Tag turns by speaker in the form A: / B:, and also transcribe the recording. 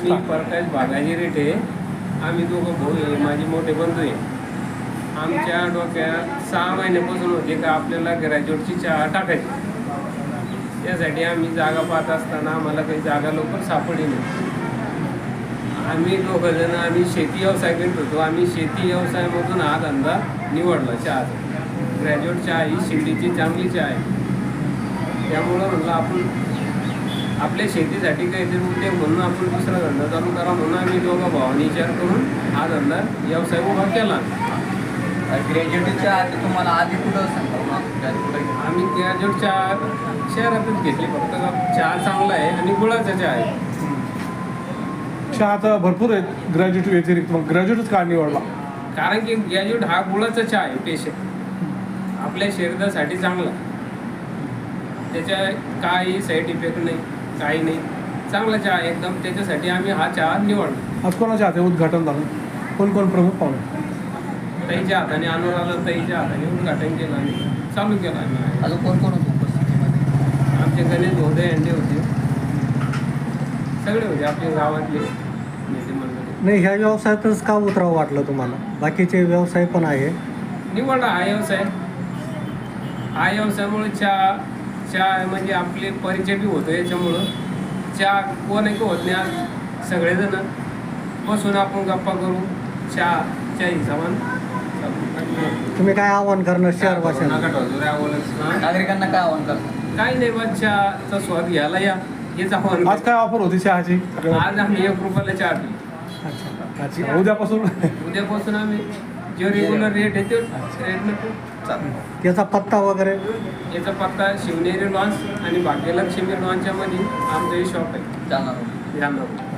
A: मी प्रकाश बागाजी रेटे. आम्ही दोघं भाऊ आहे, माझे मोठे बंधू आहे. आमच्या डोक्यात 6 महिन्यापासून होते का आपल्याला ग्रॅज्युएटची चहा टाकायची. त्यासाठी आम्ही जागा पाहत असताना आम्हाला काही जागा लवकर सापडली नाही. आम्ही दोघंजण आम्ही शेती व्यवसाय करत होतो. आम्ही शेती व्यवसायामधून हा धंदा निवडला चहाचा. ग्रॅज्युएट चहा ही शिर्डीची चांगली चहा आहे. त्यामुळं म्हटलं आपण आपल्या शेतीसाठी काहीतरी उद्योग म्हणून आपण दुसरा धंदा चालू करा म्हणून आम्ही दोघं भावांनी विचार करून हा धंदा व्यवसाय उभा केला.
B: ग्रॅज्युएटच्या आधी तुम्हाला आधी कुठं सांगा
A: आम्ही ग्रॅज्युएटच्या शहरातच घेतली. फक्त चहा चांगला आहे आणि गुळाचा चहा आहे.
C: चहा आता भरपूर आहेत ग्रॅज्युएट व्यतिरिक्त, मग ग्रॅज्युएटच का निवडला?
A: कारण की ग्रॅज्युएट हा गुळाचा चहा आहे स्पेशल. आपल्या शरीरासाठी चांगला. त्याच्या काही साईड इफेक्ट नाही, काही नाही. चांगला चहा आहे एकदम. त्याच्यासाठी आम्ही हा चहा निवडला.
C: आज कोणाच्या हाते उद्घाटन झालं? कोण प्रमुख पाहुणे?
A: ताईच्या हाताने अनुराधा ताईच्या हाताने उद्घाटन केलं आणि चालू केलं आम्ही.
B: अजून कोण होतं उपस्थितीमध्ये?
A: आमचे गणेश धोदे यांचे होते, सगळे होते आपल्या गावातले नेते मंडळी.
D: नाही, ह्या व्यवसायातच का उतरावं वाटलं तुम्हाला? बाकीचे व्यवसाय पण आहे.
A: निवडला हा व्यवसाय. हा व्यवसायामुळे चहा म्हणजे आपले परिचय बी होतो. याच्यामुळं चहा कोण आहे की होत नाही. आज सगळेजण बसून आपण गप्पा करू चहाच्या हिशोबाने.
D: तुम्ही काय आव्हान करणार शहरवासियांना?
B: नागरिकांना काय आव्हान करतात?
A: काही नाही बा, चहाचा स्वाद घ्यायला या हेच आव्हान.
C: आज काय ऑफर होती चहाची?
A: आज आम्ही 1 रुपयाला चहा पिली.
D: अच्छा.
A: उद्यापासून आम्ही जो रेग्युलर रेट आहे तो रेटनं चालतो.
D: याचा पत्ता वगैरे?
A: याचा पत्ता शिवनेरी लॉन्स आणि भाग्यलक्ष्मी लॉन्सच्या मध्ये आमचं हे शॉप आहे.
B: जाणार
A: जाणार.